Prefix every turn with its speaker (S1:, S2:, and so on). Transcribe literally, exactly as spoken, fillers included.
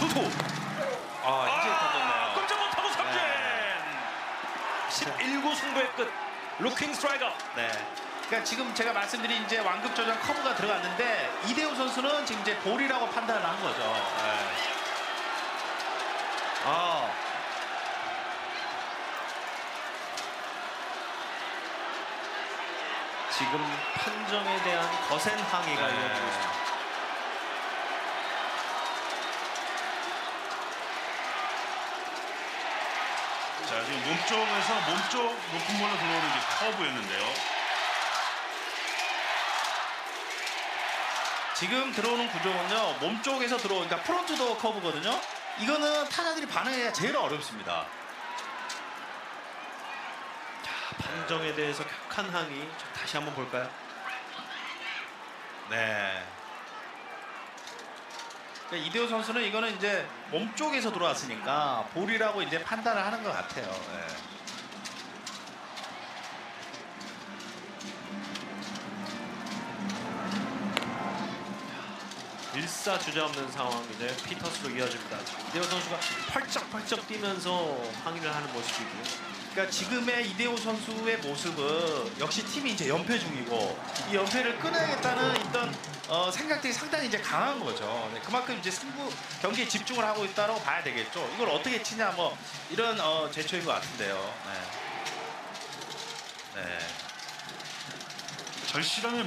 S1: 투. 아, 이제 던졌네요.
S2: 꼼짝 못하고 삼진.
S1: 네.
S2: 십일 구 승부의 끝. 루킹 스트라이크.
S1: 네.
S3: 그러니까 지금 제가 말씀드린 이제 완급 조정 커브가 들어갔는데 이대호 선수는 지금 이제 볼이라고 판단을 한 거죠.
S1: 네. 아. 지금 판정에 대한 거센 항의가
S2: 네.
S1: 이어지고 있습니다.
S4: 자, 지금 몸쪽에서 몸쪽 높은 볼로 들어오는 게 커브였는데요.
S3: 지금 들어오는 구조는요 몸쪽에서 들어오니까 그러니까 프론트 도어 커브거든요. 이거는 타자들이 반응해야 제일 어렵습니다.
S1: 판정에 대해서 격한 항의 다시 한번 볼까요? 네.
S3: 그러니까 이대호 선수는 이거는 이제 몸쪽에서 들어왔으니까 볼이라고 이제 판단을 하는 것 같아요. 네.
S1: 일사주저없는 상황 이제 피터스로 이어집니다. 자, 이대호 선수가 펄쩍펄쩍 뛰면서 항의를 하는 모습이고요.
S3: 그러니까 지금의 이대호 선수의 모습은 역시 팀이 이제 연패 중이고 이 연패를 끊어야겠다는 어떤 어, 생각들이 상당히 이제 강한 거죠. 네, 그만큼 이제 승부 경기에 집중을 하고 있다고 봐야 되겠죠. 이걸 어떻게 치냐 뭐 이런 어, 제초인 것 같은데요. 네.
S1: 네.
S4: 절실함의